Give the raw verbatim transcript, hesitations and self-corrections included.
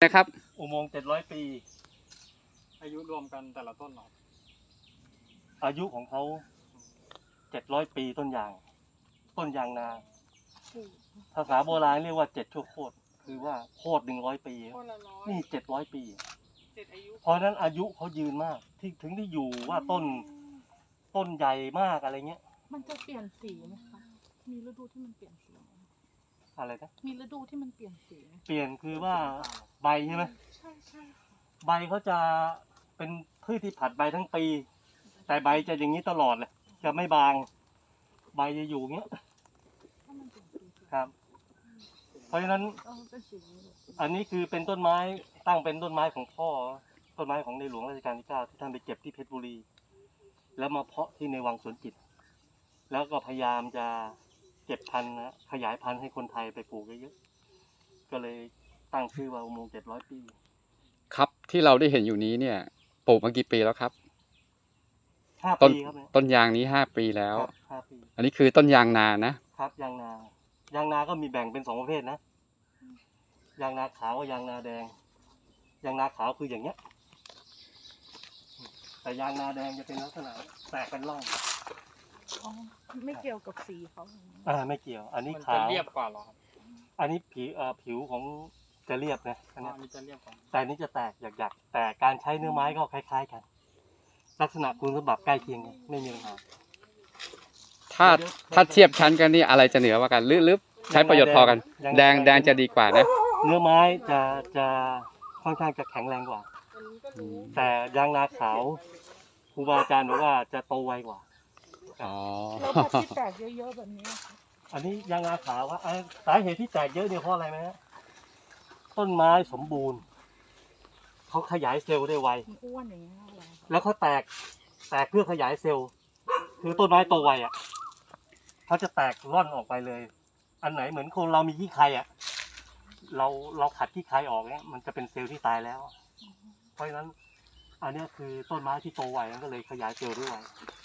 นะครับอุโมงค์เจ็ดร้อยปีอายุรวมกันแต่ละต้นเหรออายุของเขาเจ็ดร้อยปีต้นยาง ต้นยางนา ภาษาโบราณเรียกว่าเจ็ดชั่วโคตร คือว่าโคตรหนึ่งร้อยปี นี่เจ็ดร้อยปี เพราะนั้นอายุเขายืนมาก ที่ถึงได้อยู่ว่าต้นต้นใหญ่มากอะไรเงี้ยมันจะเปลี่ยนสีไหมคะ มีฤดูที่มันเปลี่ยนสีไหมอะไรนะมีฤดูที่มันเปลี่ยนสีไหมเปลี่ยนคือว่าใบใช่ไหมใช่ใช่ใบเขาจะเป็นพืชที่ผัดใบทั้งปี แต่ใบจะอย่างนี้ตลอดเลย จะไม่บาง ใบจะอยู่เงี้ยถ้ามันเปลี่ยนสีครับ เพราะฉะนั้นเออเป็นสีนี้เลยอันนี้คือเป็นต้นไม้ตั้งเป็นต้นไม้ของพ่อ ต้นไม้ของในหลวงรัชกาลที่เก้าที่ท่านไปเก็บที่เพชรบุรี แล้วมาเพาะที่ในวังสวนจิต แล้วก็พยายามจะเก็บพันธุ์นะขยายพันธุ์ให้คนไทยไปปลูกเยอะๆก็เลยตั้งชื่อว่าอุโมงค์เจ็ดร้อยปีครับที่เราได้เห็นอยู่นี้เนี่ยปลูกมากี่ปีแล้วครับห้าต้นปีครับเนี่ยต้นยางนี้ห้าปีแล้วครับห้าปีอันนี้คือต้นยางนานะครับยางนา ยางนาก็มีแบ่งเป็นสองประเภทนะ ยางนาขาวกับยางนาแดง ยางนาขาวคืออย่างเงี้ย แต่ยางนาแดงจะเป็นลักษณะแตกเป็นร่องอ๋อไม่เกี่ยวกับสีเขาอ่าไม่เกี่ยว อันนี้มันขาจะวเรียบกว่าเหรอครับอันนี้ผิวเอ่อผิวของจะเรียบนะอันอ๋อเนี้ยอันนี้จะเรียบกว่าแต่อันนี้จะแตกหยักๆ แต่การใช้เนื้อไม้ก็คล้าย ๆ กัน ลักษณะคุณสมบัติใกล้เคียงกันไม่มีปัญหาถ้าถ้าเทียบชั้นกันนี่อะไรจะเหนือกว่ากันหรือหรือใช้ประโยชน์พอกัน แดงแดงจะดีกว่านะเนื้อไม้จะจะค่อนข้างจะแข็งแรงกว่าอืมแต่ยางนาขาวครูบาอาจารย์บอกว่าจะโตไวกว่าอ๋อแล้วแบบที่แตกเยอะๆแบบนี้ค่ะอันนี้ยางนาขาวว่าอ่ะสาเหตุที่แตกเยอะเนี่ยเพราะอะไรไหมฮะต้นไม้สมบูรณ์เขาขยายเซลล์ได้ไวมันอ้วนอย่างเงี้ยอะไรแล้วเขาแตกแตกเพื่อขยายเซลล์ คือต้นไม้โตไวอ่ะเขาจะแตกร่อนออกไปเลย อันไหนเหมือนคนเรามีขี้ใครอ่ะ เราเราขัดขี้ใครออกเนี่ยมันจะเป็นเซลล์ที่ตายแล้ว เพราะฉะนั้น อันเนี้ยคือต้นไม้ที่โตไวมันก็เลยขยายเซลล์ได้ไว